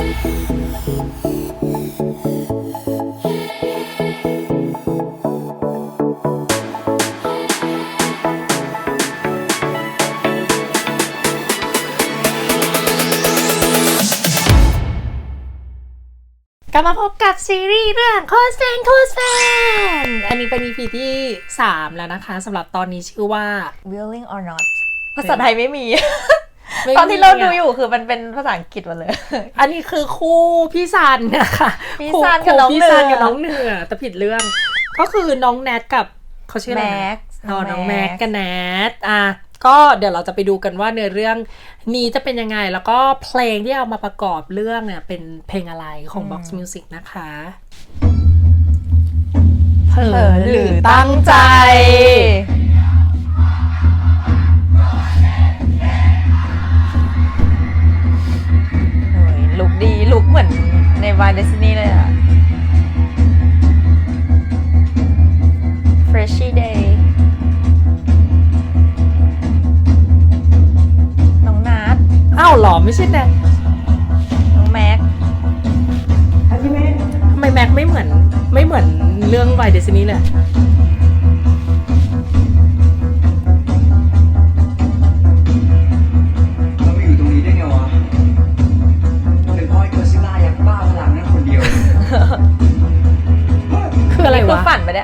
กลับมาพบกับซีรีส์เรื่องโคสแฟนอันนี้เป็น EP ที่3แล้วนะคะสำหรับตอนนี้ชื่อว่า Willing or not ภาษาไทยไม่มี ตอนที่เราดูอยู่คือมันเป็นภาษาอังกฤษหมดเลยอันนี้คือคู่พี่ซันนะคะพี่ซันกับน้องเหนือพี่ซันกับน้องเหนือแต่ผิดเรื่องก็คือน้องแนทกับเขาชื่ออะไรนะน้องแม็กกับแนทก็เดี๋ยวเราจะไปดูกันว่าเนื้อเรื่องนี้จะเป็นยังไงแล้วก็เพลงที่เอามาประกอบเรื่องเนี่ยเป็นเพลงอะไรของ Box Music นะคะเผลอหรือตั้งใจลุคดีลุคเหมือนในวายเดซินี่เลยอะ Freshy Day น้องนัทอ้าวหรอไม่ใช่แนทน้องแม็กทำไมแม็กไม่เหมือนเรื่องวายเดซินี่เลยเราไม่อยู่ตรงนี้ได้ไงวะเป็นพ่อไอ้โกซิลล่ายักษ์บ้าพลังนั่นคนเดียวคืออะไรคืวะฝันไปเนี่ย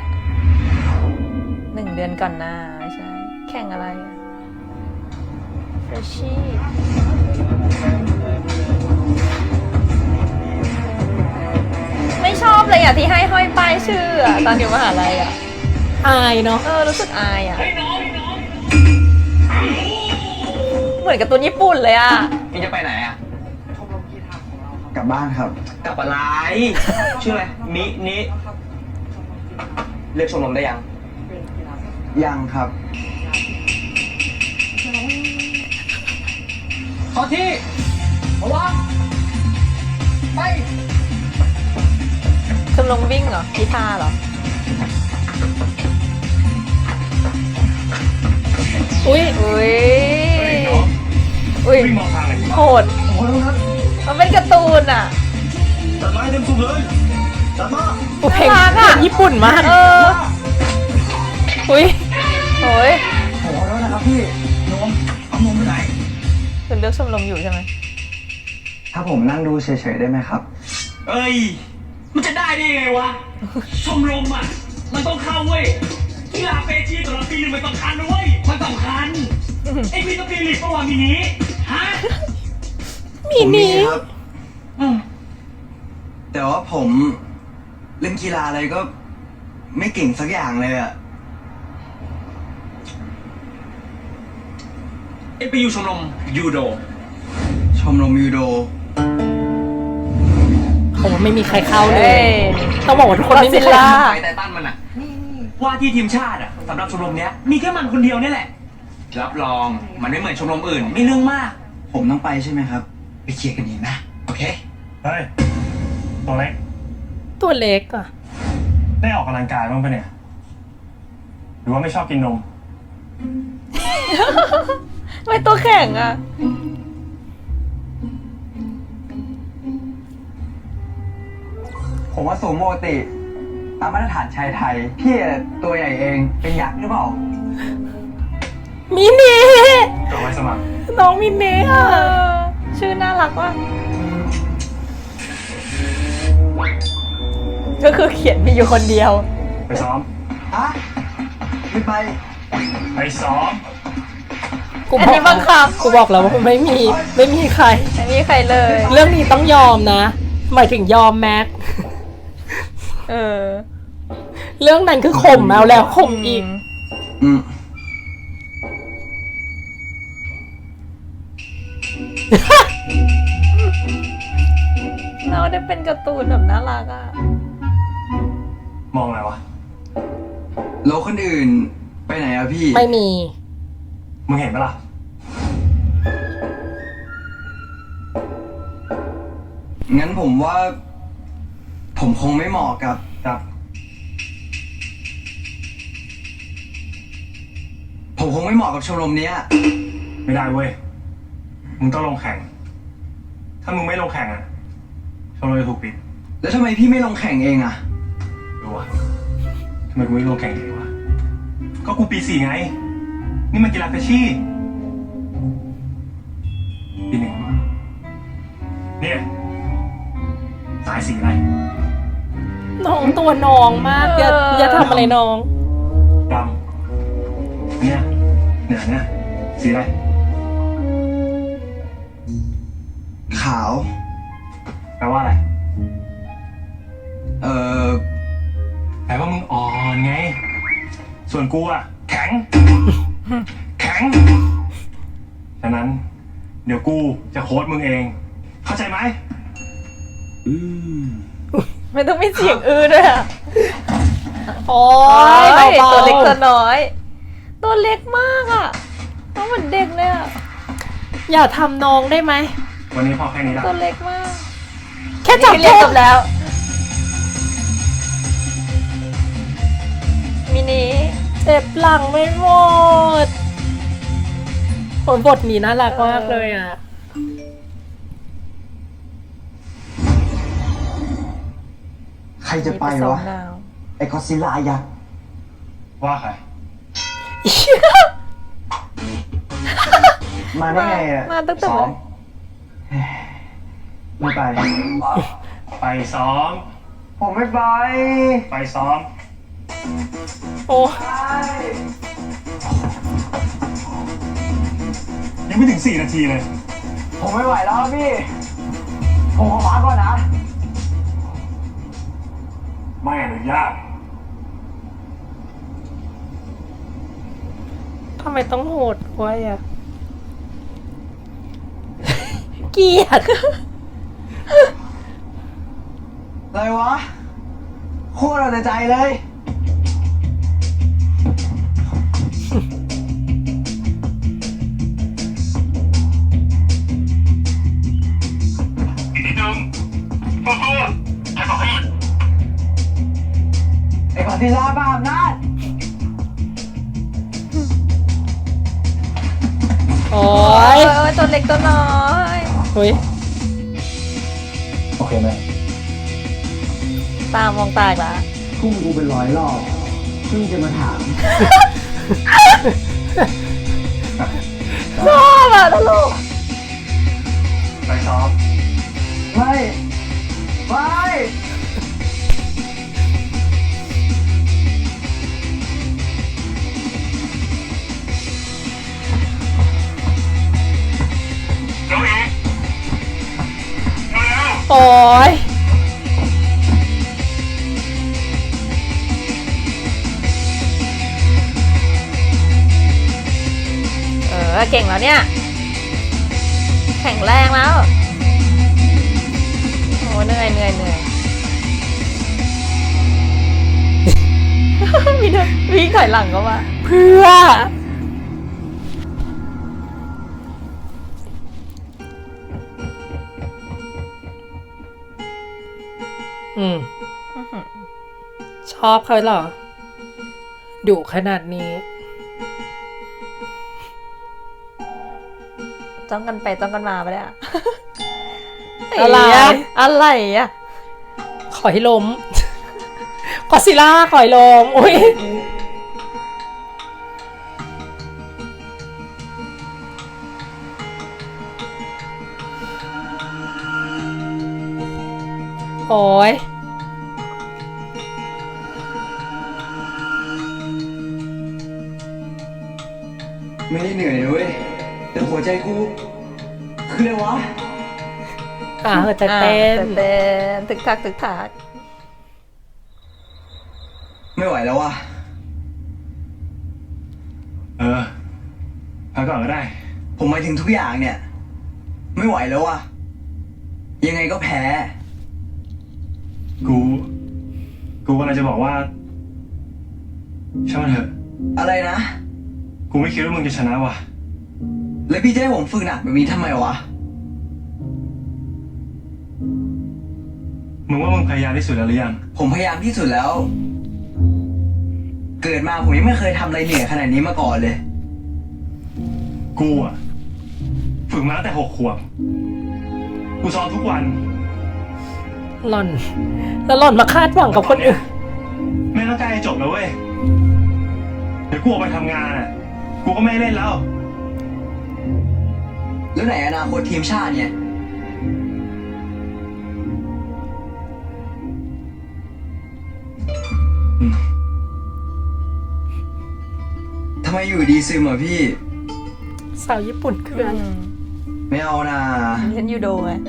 1 เดือนก่อนหน้าไม่ใช่ แข่งอะไรอะ Freshy ไม่ชอบเลยอ่ะที่ให้ห้อยป้ายชื่ออะตอนอยู่มหาลัยอ่ะอายเนาะรู้สึกอายอ่ะเหมือนกับตัวญี่ปุ่นเลยอ่ะพี่จะไปไหนอ่ะกลับบ้านครับ กลับอะไร ชื่ออะไรนิเลือกชมรมได้ยัง ยังครับขอที่ระวังไปชมรมวิ่งเหรอกีตาร์เหรออุ้ยอุ้ยวิ่งมองทางไหนโหดโอ้ยครับมันเป็นการ์ตูนอ่ะตัดไม้เต็มสูบเลยตัดมาเพลงน่ารักอะญี่ปุ่นมาก อุ้ยโอ้ยขอแล้วนะครับพี่นมเอานมไปไหนคุณเลือกชมรมอยู่ใช่ไหมถ้าผมนั่งดูเฉยๆได้ไหมครับ เอ้ย มันจะได้ไงวะ ชมรมอ่ะ มันต้องเข้าเว้ยกีฬาเปชีสำหรับปีหนึ่งมันสำคัญนะเว้ย มันสำคัญ ไอ้พี่ต้องปีหลีกประวัตินี้ ฮะมีนี้ครับแต่ว่าผมเล่นกีฬาอะไรก็ไม่เก่งสักอย่างเลยอะเอ็ไปอยู่ชมรมยูโด ชมรมยูโดผมไม่มีใครเข้าเลเฮ้ยยต้องบอกว่าทุกคนไม่มีใคร Godzilla เข้าไปแต่ตั้นมันอะว่าที่ทีมชาติอะสำหรับชมรมเนี้ยมีแค่มันคนเดียวนี่แหละ รับรองมันไม่เหมือนชมรมอื่นไม่เรื่องมาก ผมต้องไปใช่ไหมครับ ไปเคลียร์กันเองนะ โอเคเฮ้ย ตัวเล็กตัวเล็กอ่ะได้ออกกำลังกายบ้างปะเนี่ย หรือว่าไม่ชอบกินนมไม่ตัวแข็งอ่ะผมว่าสูงปกติตามมาตรฐานชายไทย พี่ตัวใหญ่เองเป็นยักษ์หรือเปล่ามินีตัวไว้สมัครน้องมินีอ่ะชื่อน่ารักว่ะก็คือเขียนมีอยู่คนเดียวไปซ้อมฮะไม่ไปไปซ้อมกูอันนี้บังคับกูบอกแล้วว่าไม่มีใครไม่มีใครเลยเรื่องนี้ต้องยอมนะ หมายถึงยอมแม็กเออเรื่องนั้นคือข่มแล้วข่มอีกอืมเราได้เป็นการ์ตูนแบบน่ารักอ่ะมองอะไรวะแล้วคนอื่นไปไหนอะพี่ไม่มีมึงเห็นปะล่ะงั้นผมว่า ผมคงไม่เหมาะกับ ผมคงไม่เหมาะกับชมรมเนี้ยไม่ได้เว้ย มึงต้องลงแข่ง ถ้ามึงไม่ลงแข่งอ่ะชมรมจะถูกปิดแล้วทำไมพี่ไม่ลงแข่งเองอะดูวะทำไมกูไม่ลงแข่งเลยวะ ก็กูปี4ไง นี่มันกีฬาเฟชชี่ปี1เนี่ยสายสีอะไรน้องตัวน้องมาก อย่าทำอะไรน้องดำเนี่ยเหนือเนี่ยสีอะไรขาวแปลว่าอะไรเอ่อแปลว่ามึงอ่อนไง ส่วนกูอะแข็ง แข็ง ฉะนั้น เดี๋ยวกูจะโค้ชมึงเอง เข้าใจไหมไม่ต้องมีเสียงอื้อด้วยอะโอ้ยโอ้ยเบาๆตัวเล็กตัวน้อย ตัวเล็กมากอะน้องเหมือนเด็กเลยอะอย่าทำน้องได้ไหมวันนี้พอแค่นี้ละตัวเล็กมากแค่จับนี่เรียนแค่จบแล้ว มินิเจ็บหลังไม่หมดผลบทนี้น่ารักมากเลยอ่ะใครจะไปซ้อวะมดาวไอ้กอดซิลล่ายักษ์ว่าใครมาได้ไงอะมาตั้งแต่ซ้อมไม่ไปไปซ้อมผมไม่ไปไปซ้อมโอ้ยังไม่ถึง4 นาทีเลยผมไม่ไหวแล้วพี่ ผมขอพักก่อนนะไม่อนุญาตทำไมต้องโหดไว้อ่ะ เกลียดอะไรวะ โคตรเอาแต่ใจเลยอีกนิดนึงสู้ๆให้บอกให้หยุดไอ้กอดซิลล่าบ้าอำนาจโอ้โอ้ยยตัวเล็กตัวน้อยเฮ้ยโอเคไหมตามมองตาอีกละพุ่งกูเป็นร้อยรอบเพิ่งจะมาถามชอบอะตลกไปซ้อมไม่ ไม่เร็วอีกเร็วโอ้ยเก่งแล้วเนี่ย แข็งแรงแล้ว โอ้เหนื่อยมีด้วยวิ่งถอยหลังก็มาเพื่อ อืม ชอบเขาเหรอ ดุขนาดนี้จ้องกันไปจ้องกันมาไปเลยอะอะไรอะไรอะขอให้ล้ม กอดซิลล่าขอให้ล้มอุ้ย โอ้ยไม่ได้เหนื่อยนะเว้ย แต่หัวใจกู คืออะไรวะหัวใจเต้นเต้นถึกทักถึกทักไม่ไหวแล้ววะพักก่อนก็ได้ผมหมายถึงทุกอย่างเนี่ย ไม่ไหวแล้ววะ ยังไงก็แพ้กูกำลังจะบอกว่าช่างมันเถอะอะไรนะกูไม่คิดว่ามึงจะชนะว่ะแล้วพี่จะให้ผมฝึกหนักแบบนี้ทำไมวะมึงว่ามึงพยายามที่สุดแล้วหรือยังผมพยายามที่สุดแล้ว เกิดมาผมยังไม่เคยทำอะไรเหนื่อยขนาดนี้มาก่อนเลยกูอะฝึกมาตั้งแต่6 ขวบ กูซ้อมทุกวันหล่อน แล้วหล่อนมาคาดหวังกับคนอื่นไม่ต้องใกล้จบแล้วเว้ย เดี๋ยวกูออกไปทำงานอ่ะ กูก็ไม่เล่นแล้วแล้วไหนอนาคตทีมชาติเนี่ยทำไมอยู่ดีซึมอ่ะพี่สาวญี่ปุ่นคืออะไรไม่เอานะเล่นยูโดไง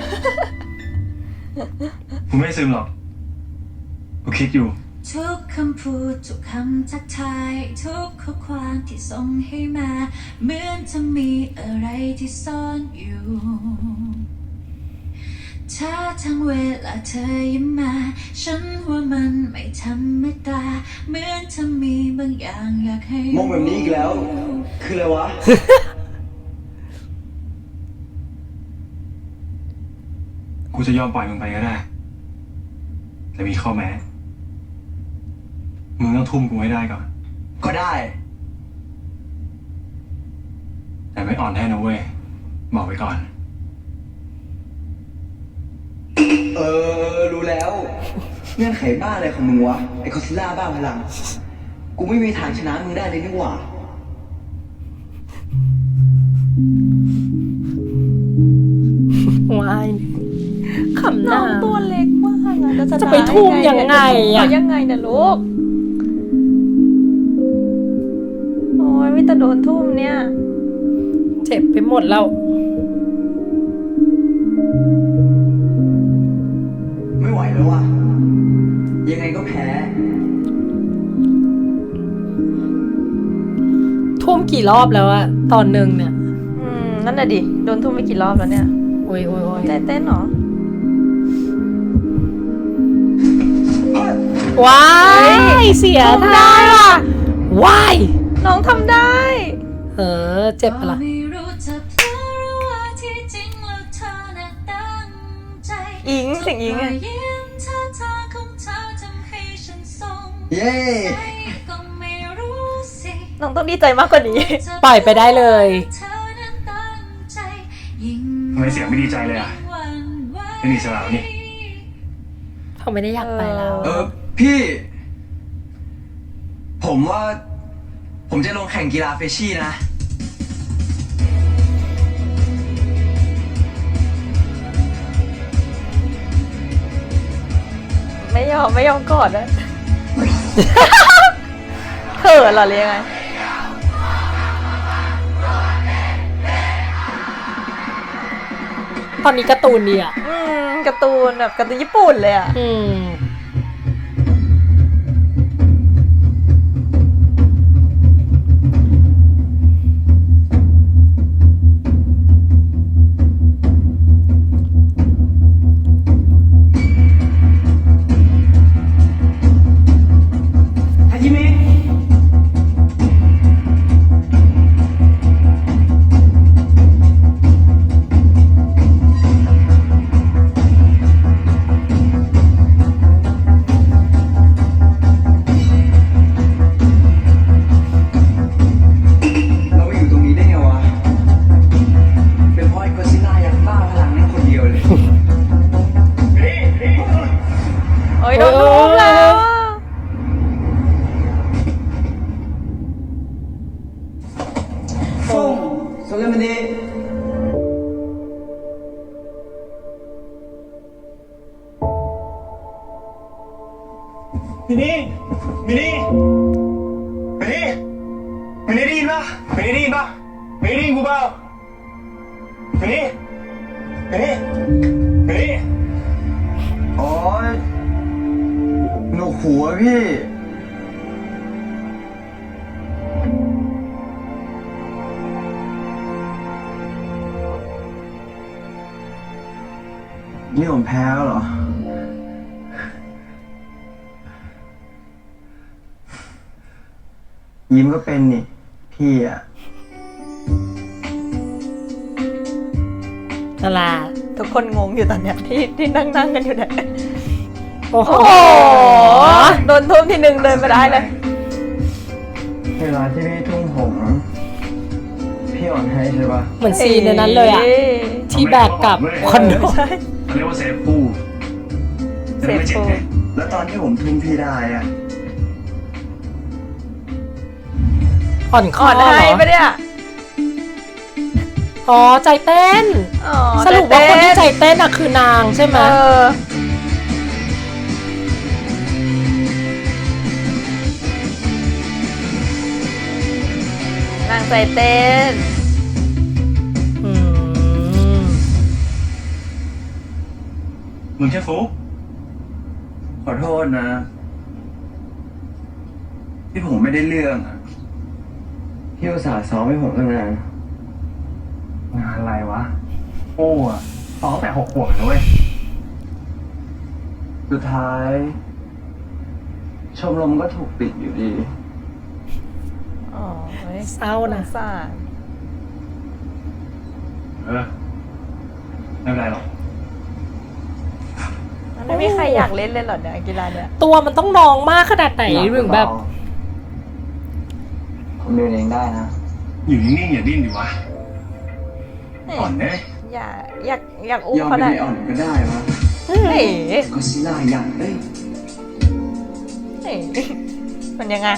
กูไม่ซึมหรอก กูคิดอยู่ทุกคำพูดทุกคำทักทายทุกข้อความที่ส่งให้มาเหมือนจะมีอะไรที่ซ่อนอยู่ถ้าทั้งเวลาเธอยิ้มมาฉันว่ามันไม่ธรรมดาเหมือนจะมีบางอย่างอยากให้มองแบบนี้อีกแล้ว คืออะไรวะกูจะยอมปล่อยมึงไปก็ได้ แต่มีข้อแม้ มึงต้องทุ่มกูให้ได้ก่อนก็ได้แต่ไม่อ่อนแน่นะเว้ย บอกไว้ก่อนรู้แล้ว เงื่อนไขบ้าอะไรของมึงวะ ไอ้คอซิล่าบ้าพลัง กูไม่มีทางชนะมึงได้เลยนี่หว่าวายขำหน้น้าองตัวเล็กมากอะแล้วจะไปทุ่มยังไงอะยังไงเนี่ยลูก โอ้ยไม่แต่โดนทุ่มเนี่ยเจ็บไปหมดแล้วไม่ไหวแล้วว่ะ ยังไงก็แพ้ทุ่มกี่รอบแล้วอะตอนหนึ่งเนี่ยนั่นน่ะดิ โดนทุ่มไปกี่รอบแล้วเนี่ยโอ้ยโอ้ยโอ้ยเต้นเหรอว้ายเสียท่าว้ายน้องทำได้เจ็บปะล่ะไม่รู้จะเพลอหรือว่าที่จริงแล้วเธอน่ะตั้งใจอิงเสียงอิงรอะอยยิ้มท่าทางของเธอทำให้ฉันทรงเย้ใจก็ไม่รู้สิน้องต้องดีใจมากกว่านี้ปล่อยไปได้เลยเธอนั้นตั้งใจยิ่งทำไมเสียงไม่ดีใจเลยอะหวั่นไหวไม่มีสลาวนี่เขาไม่ได้อยากไปแล้วพี่ ผมว่า ผมจะลงแข่งกีฬาเฟชชี่นะไม่ยอมกอดนะ เขินเหรอหรือยังไงตอนนี้การ์ตูนดีอ่ะการ์ตูนแบบการ์ตูนญี่ปุ่นเลยอ่ะฮาจิเมะ เรามาอยู่ตรงนี้ได้ไงวะ เป็นเพราะไอ้กอซิลล่ายักษ์บ้าพลังนั่นคนเดียวเลยโอ้ยโดนทุ่มแล้วอะส่งโซเลมันดีมินี่มินี่มินี่มินี่ได้ยินปะมินี่ได้ยินปะมินี่ได้ยินกูเปล่ามินี่มินี่มินี่อ๋อหนวกหัวพี่ นี่ผมแพ้แล้วเหรอ ยิ้มก็เป็นนี่ พี่อ่ะนั่นแหละทุกคนงงอยู่ตอนเนี้ยที่นั่งกันอยู่เนี่ยโอ้โหโอ้โห โดนทุ่มทีหนึ่งเดินไม่ได้เลยเวลาที่พี่ทุ่มผม พี่อ่อนให้ใช่ปะเหมือนซีนในนั้นเลยอ่ะ ที่แบกกลับคอนโดใช่เขาเรียกว่าเซฟคู่เซฟโฟแล้วตอนที่ผมทุ่มพี่ได้อะอ่อนคอ่ออนเหรให้อปะเนี่ยอ๋อใจเต้นอ๋อสรุปว่าคนที่ใจเต้เต้นอะคือนางใช่ไหมนางใจเต้นอืมมึงแค่ฟุกขอโทษนะ ที่ผมไม่ได้เรื่องอะพี่อุตส่าห์ซ้อมให้ผมตั้งนานงานอะไรวะโอ้อะซ้อมแต่6 ขวบเลยเว้ยสุดท้าย ชมรมก็ถูกปิดอยู่ดีอ๋อเศร้านะสงสารไม่เป็นไรหรอกมันไม่มีใครอยากเล่นเลยเหรอเนี่ยกีฬาเนี่ยตัวมันต้องนองมากขนาดไหนถึงแบบผมเดินเองได้นะอยู่นิ่งๆอย่าดิ้นดิวะอ่อนเน่อยากอุ้มยอมเขาเป็นได้ไออ่อนก็ได้วะเฮ้ยก็ซิล่าอย่างเอ้ยเฮ้ยมันยังไง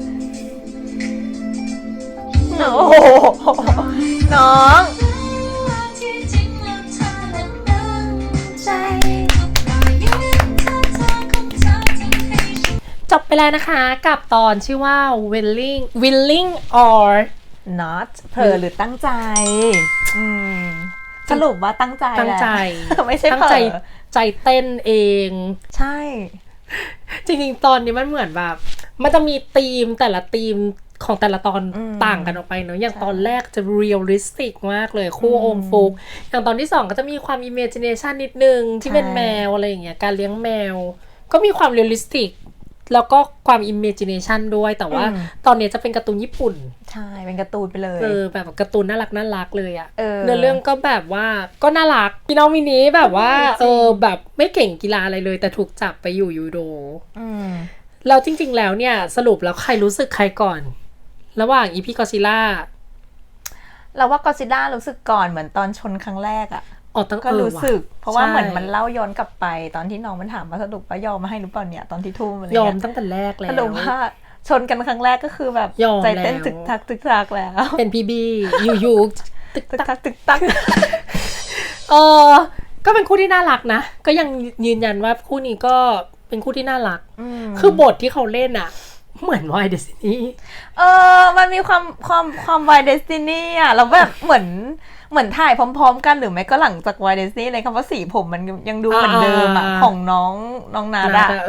โอ้โหน้องที่จริงแล้วเธอนั้นตั้งใจทุกรอยยิ้มท่าทางของเธอทำให้ฉันจบไปแล้วนะคะกับตอนชื่อว่า willing or not เผลอหรือตั้งใจ อืมสรุปว่าตั้งใจตั้งใจแหละไม่ใช่ตั้งเผลใจอใจเต้นเองใช่จริงๆ ตอนนี้มันเหมือนแบบ มันจะมีธีมแต่ละธีมของแต่ละตอนต่างกันออกไปเนอะอย่างตอนแรกจะเรียลลิสติกมากเลยคู่องค์ฟุกอย่างตอนที่สองก็จะมีความอิมเมจิเนชันนิดนึงที่เป็นแมวอะไรอย่างเงี้ยการเลี้ยงแมว ก็มีความเรียลลิสติกแล้วก็ความอิมเมจิเนชันด้วยแต่ว่าตอนนี้จะเป็นการ์ตูนญี่ปุ่นใช่เป็นการ์ตูนไปเลยแบบการ์ตูนน่ารักเลยอะเออเนื้อเรื่องก็แบบว่าก็น่ารักพี่น้องมินิแบบว่าแบบไม่เก่งกีฬาอะไรเลย แต่ถูกจับไปอยู่ยูโดอืมแล้วจริงๆแล้วเนี่ยสรุปแล้วใครรู้สึกใครก่อน ระหว่างอีพีกอซิล่าเราว่ากอซิล่ารู้สึกก่อนเหมือนตอนชนครั้งแรกอ่ะออกตั้งก็รู้สึก เพราะว่าใช่เหมือนมันเล่าย้อนกลับไป ตอนที่น้องมันถามว่าสรุปว่ายอมมาให้หรือเปล่าเนี่ยตอนที่ทุ่มอะไรยอมเงี้ยตั้งแต่แรกแล้สรุปวว่าชนกันครั้งแรกก็คือแบบยอมใจเต้นแล้วตึกทักแล้วเป็นพีบีอยู่ตึกตึกตักตักเออก็เป็นคู่ที่น่ารักนะ ก็ยังยืนยันว่าคู่นี้ก็เป็นคู่ที่น่ารัก คือบทที่เขาเล่นอะเหมือนวายเดซินี่มันมีความวายเดสตินีอ่ะแล้วแบบเหมือนถ่ายพร้อมๆกันหรือไม่ก็หลังจากวายเดสตินีเลยคำว่าสีผมมันยังดูเหมือนเดิมอ่ะของน้องนาดะ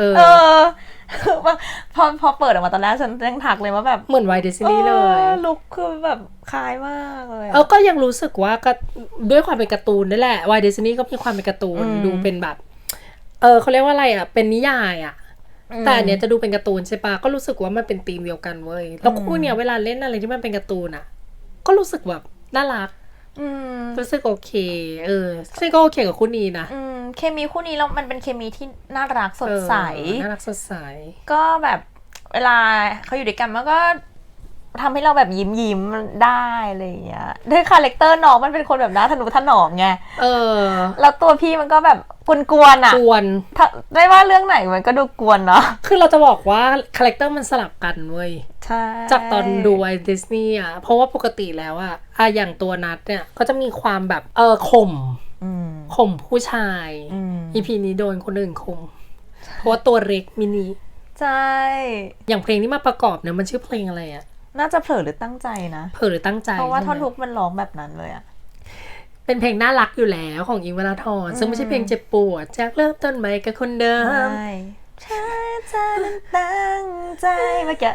พอเปิดออกมาตอนแรกฉันยังทักเลยว่าแบบเหมือนวายเดซินี่เลยลุคคือแบบคล้ายมากเลยก็ยังรู้สึกว่าก็ด้วยความเป็นการ์ตูนนั่นแหละวายเดซินี่ก็มีความเป็นการ์ตูนดูเป็นแบบเขาเรียกว่าอะไรอ่ะเป็นนิยายอ่ะแต่อันเนี้ยจะดูเป็นการ์ตูนใช่ปะก็รู้สึกว่ามันเป็นธีมเดียวกันเว้ยแล้วคู่เนี้ยเวลาเล่นอะไรที่มันเป็นการ์ตูนอ่ะก็รู้สึกแบบน่ารักรู้สึกโอเคซึ่งก็โอเคกับคู่นี้นะเคมีคู่นี้แล้วมันเป็นเคมีที่น่ารักสดใสน่ารักสดใสก็แบบเวลาเขาอยู่ด้วยกันมันก็ทำให้เราแบบยิ้มได้อะไรอย่างเงี้ยด้วยคาแรคเตอร์น้องมันเป็นคนแบบน่าทะนุถนอมไงแล้วตัวพี่มันก็แบบกวนๆอ่ะกวนได้ว่าเรื่องไหนมันก็ดูกวนเนาะคือเราจะบอกว่าคาแรคเตอร์มันสลับกันเว้ยใช่จากตอนดูไอดิสนีย์อ่ะเพราะว่าปกติแล้วอ่ะอย่างตัวนัทเนี่ยก็จะมีความแบบข่มผู้ชายอีพีนี้โดนคนอื่นข่มเพราะว่าตัวเล็กมินิใช่อย่างเพลงที่มาประกอบเนี่ยมันชื่อเพลงอะไรอ่ะน่าจะเผลอหรือตั้งใจนะเผลอหรือตั้งใจเพราะว่าท่อนใช่ไหมฮุกมันร้องแบบนั้นเลยอะเป็นเพลงน่ารักอยู่แล้วของอิงค์วราธรซึ่งไม่ใช่เพลงเจ็บปวดจากเริ่มต้นใหม่กับคนเดิมใช่ฉันจะตั้งใจมาแกะ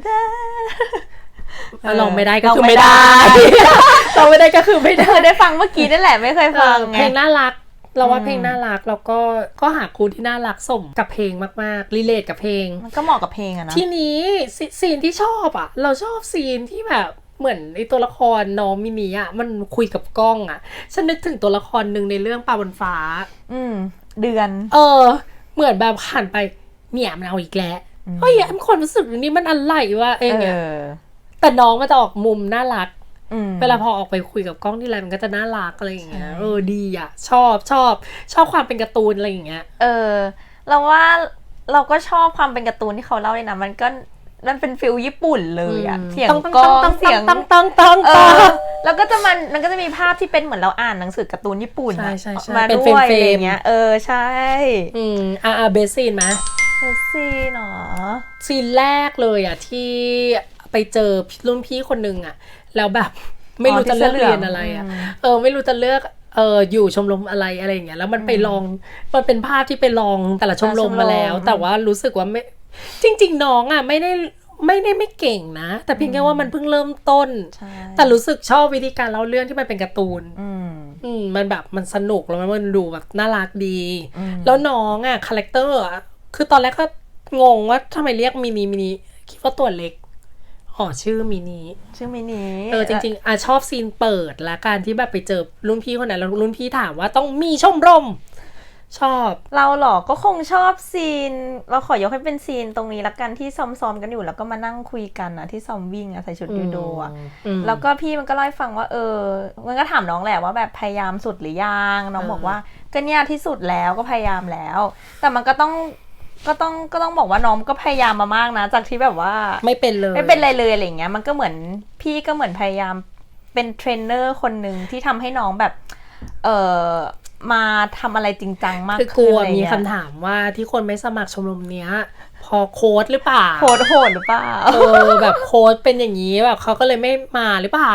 ลองไม่ได้ก็คือไม่ได้ ลองไม่ได้ก็คือไม่ได้เคยได้ฟังเมื่อกี้นั่นแหละไม่เคยฟังไงเพลงน่ารักเราว่าเพลงน่ารักแล้วก็หาครูที่น่ารักสมกับเพลงมากๆรีเลทกับเพลงมันก็เหมาะกับเพลงอะนะทีนี้ซีนที่ชอบอ่ะเราชอบซีนที่แบบเหมือนไอตัวละครน้องมินิอ่ะมันคุยกับกล้องอ่ะฉันนึกถึงตัวละครหนึ่งในเรื่องปลาบนฟ้าเดือนเหมือนแบบผ่านไปเนี่ยมันเอาอีกแล้วเฮ้ยมันความรู้สึกนี้มันอะไรวะเนี่ยแต่น้องมันจะออกมุมน่ารักเวลาพอออกไปคุยกับกล้องที่ไรมันก็จะน่ารักอะไรอย่างเงี้ยดีอ่ะชอบความเป็นการ์ตูนอะไรอย่างเงี้ยเราว่าเราก็ชอบความเป็นการ์ตูนที่เขาเล่าเลยนะมันเป็นฟิลญี่ปุ่นเลยอะเสียงกลองเสียงแล้วก็มันก็จะมีภาพที่เป็นเหมือนเราอ่านหนังสือการ์ตูนญี่ปุ่นมาด้วยอะไรเงี้ยใช่เบสซีนไหมเบสซีนเนาะซีนแรกเลยอ่ะที่ไปเจอรุ่นพี่คนนึงอ่ะแล้วแบบไม่รู้จะเลือกเรียนอะไรอ่ะไม่รู้จะเลือกอยู่ชมรมอะไรอย่างเงี้ยแล้วมันไปลองมันเป็นภาพที่ไปลองแต่ละชมรมมาแล้วแต่ว่ารู้สึกว่าไม่จริงๆน้องอ่ะไม่ได้ไม่เก่งนะแต่เพียงแค่ว่ามันเพิ่งเริ่มต้นแต่รู้สึกชอบวิธีการเล่าเรื่องที่มันเป็นการ์ตูนมันแบบมันสนุกแล้วมันดูแบบน่ารักดีแล้วน้องอ่ะคาแรคเตอร์อ่ะคือตอนแรกก็งงว่าทำไมเรียกมินิคิดว่าตัวเล็กชื่อมินิจริงๆชอบซีนเปิดและการที่แบบไปเจอรุ่นพี่คนนั้นแล้วรุ่นพี่ถามว่าต้องมีชมรมชอบเราหรอก็คงชอบซีนเราขอยกให้เป็นซีนตรงนี้ละกันที่ซ้อมกันอยู่แล้วก็มานั่งคุยกันนะที่ซ้อมวิ่งใส่ชุดยูโดแล้วก็พี่มันก็เล่าให้ฟังว่ามันก็ถามน้องแหละว่าแบบพยายามสุดหรือยังน้องบอกว่าก็เนี่ยที่สุดแล้วก็พยายามแล้วแต่มันก็ต้องบอกว่าน้องก็พยายามมามากนะจากที่แบบว่าไม่เป็นเลยอะไรอย่างเงี้ยมันก็เหมือนพี่ก็เหมือนพยายามเป็นเทรนเนอร์คนหนึ่งที่ทำให้น้องแบบมาทำอะไรจริงจังมากขึ้นคือกลัวมีคำถามว่าที่คนไม่สมัครชมรมเนี้ยพอโค้ดหรือเปล่าโค้ดโหดหรือเปล่าแบบโค้ดเป็นอย่างนี้แบบเขาก็เลยไม่มาหรือเปล่า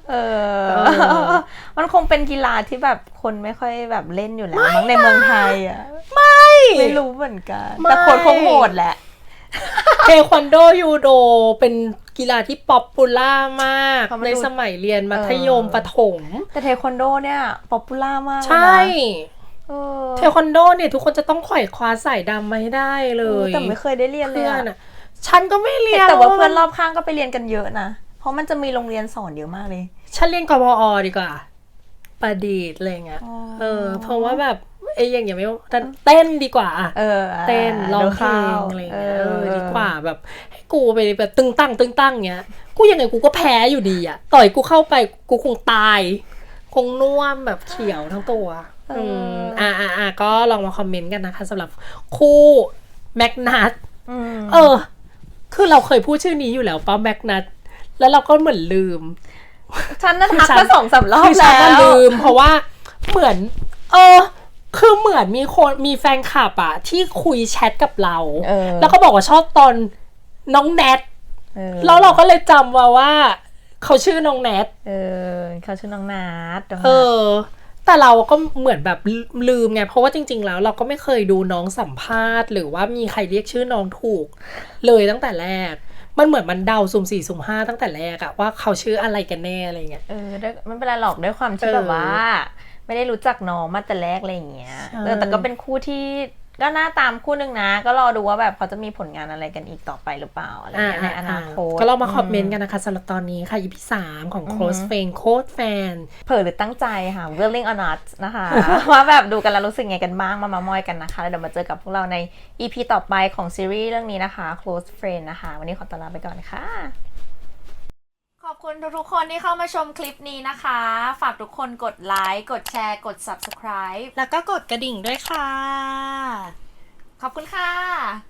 มันคงเป็นกีฬาที่แบบคนไม่ค่อยแบบเล่นอยู่แล้วมั้งในเมืองไทยอ่ะไม่รู้เหมือนกันแต่โค้ดคงโหดแหละเทควันโดยูโดเป็นกีฬาที่ป๊อปปูล่ามากในสมัยเรียนมัธยมประถมแต่เทควันโดเนี่ยป๊อปปูล่ามากใช่เทควันโดเนี่ยทุกคนจะต้องไขว่คว้าสายดำมาให้ได้เลยแต่ไม่เคยได้เรียนเลยอ่ะฉันก็ไม่เรียนแต่ว่าเพื่อนรอบข้างก็ไปเรียนกันเยอะนะเพราะมันจะมีโรงเรียนสอนเยอะมากเลยฉันเรียนกพอดีกว่าประดิษฐ์อะไรเงี้ยเพราะว่าแบบอย่างเงี้ยไม่เต้นดีกว่าเต้นร้องเพลงอะไรเงี้ยดีกว่าแบบให้กูไปแบบตึงตั้งเงี้ยกูยังไงกูก็แพ้อยู่ดีอ่ะต่อยกูเข้าไปกูคงตายคงน่วมแบบเขียวทั้งตัวก็ลองมาคอมเมนต์กันนะคะสำหรับคู่แมกนัทคือเราเคยพูดชื่อนี้อยู่แล้วป้าแมกนัทแล้วเราก็เหมือนลืมฉันนั่นทักมา2-3 รอบแล้วลืมเพราะว่าเหมือนคือเหมือนมีแฟนคลับอะที่คุยแชทกับเราแล้วก็บอกว่าชอบตอนน้องแนทแล้วเราก็เลยจำว่าเขาชื่อน้องแนทเขาชื่อน้องนัทแต่เราก็เหมือนแบบลืมไงเพราะว่าจริงๆแล้วเราก็ไม่เคยดูน้องสัมภาษณ์หรือว่ามีใครเรียกชื่อน้องถูกเลยตั้งแต่แรกมันเหมือนมันเดาสุ่ม 4 สุ่ม 5ตั้งแต่แรกอะว่าเขาชื่ออะไรกันแน่อะไรเงี้ยไม่เป็นไรหรอกด้วยความที่แบบว่าไม่ได้รู้จักน้องมาแต่แรกอะไรอย่างเงี้ยแต่ก็เป็นคู่ที่ก็น่าตามคู่นึงนะก็รอดูว่าแบบเขาจะมีผลงานอะไรกันอีกต่อไปหรือเปล่าอะไรเงี้ยในอนาคตก็เรามาคอมเมนต์กันนะคะสำหรับตอนนี้ค่ะ EP 3ของ Close Friend Code Fan เผลอหรือตั้งใจค่ะ Willing or not นะคะว่าแบบดูกันแล้วรู้สึกไงกันบ้างมามอยกันนะคะแล้วเดี๋ยวมาเจอกับพวกเราใน EP ต่อไปของซีรีส์เรื่องนี้นะคะ Close Friend นะคะวันนี้ขอตัวลาไปก่อนค่ะขอบคุณทุกคนที่เข้ามาชมคลิปนี้นะคะฝากทุกคนกดไลค์กดแชร์กด Subscribe แล้วก็กดกระดิ่งด้วยค่ะขอบคุณค่ะ